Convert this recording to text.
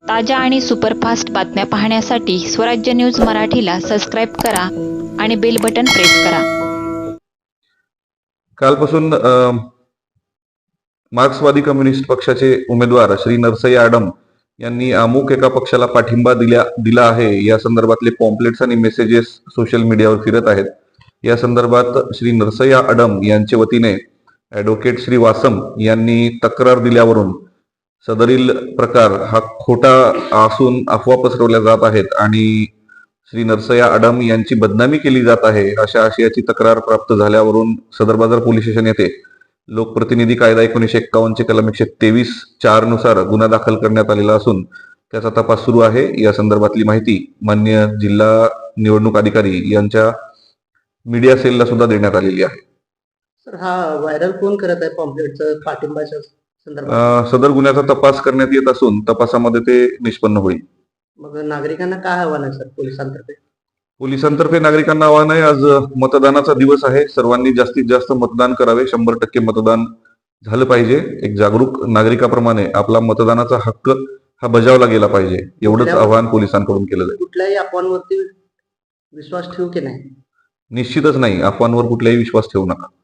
ताज्या आणि सुपरफास्ट बातम्या पाहण्यासाठी स्वराज्य न्यूज मराठीला सबस्क्राईब करा आणि बेल बटन प्रेस करा. कालपासून मार्क्सवादी कम्युनिस्ट पक्षाचे उमेदवार श्री नरसय्या आडम यांनी अमुक एका पक्षाला पाठिंबा दिला आहे या संदर्भातले पॉम्पलेट्स आणि मेसेजेस सोशल मीडियावर फिरत आहेत. या संदर्भात श्री नरसय्या आडम यांच्या वतीने ॲडव्होकेट श्री वासम यांनी तक्रार दिल्यावरून सदरील प्रकार हा खोटा असून अफवा पसरवल्या जात आहेत आणि श्री नरसय्या आडम यांची बदनामी केली जात आहे अशा आशयाची तक्रार प्राप्त झाल्यावरून सदर बाजार पोलीस स्टेशन येथे लोकप्रतिनिधी कायदा 1951 चे कलम 123(4) नुसार गुन्हा दाखल करण्यात आलेला असून त्याचा तपास सुरू आहे. या संदर्भातली माहिती मान्य जिल्हा निवडणूक अधिकारी यांच्या मीडिया सेलला सुद्धा देण्यात आलेली आहे. सर, हा व्हायरल कोण करत आहे पॉम्पलेटचं पाठिंबाच्या संदर्भात? सदर गुन्ह्याचा तपास करण्यात येत असून तपासामध्ये ते निष्पन्न होईल. मग नागरिकांना काय आव्हान आहे सर पोलिसांतर्फे? पोलिसांतर्फे नागरिकांना आवाहन आहे, आज मतदानाचा दिवस आहे. सर्वांनी जास्तीत जास्त मतदान करावे. 100% मतदान झालं पाहिजे. एक जागरूक नागरिकाप्रमाणे आपला मतदानाचा हक्क हा बजावला गेला पाहिजे, एवढंच आवाहन पोलिसांकडून केलं जाईल. कुठल्याही अफवांवरती विश्वास ठेवू की नाही? निश्चितच नाही. अफवांवर कुठलाही विश्वास ठेवू नका.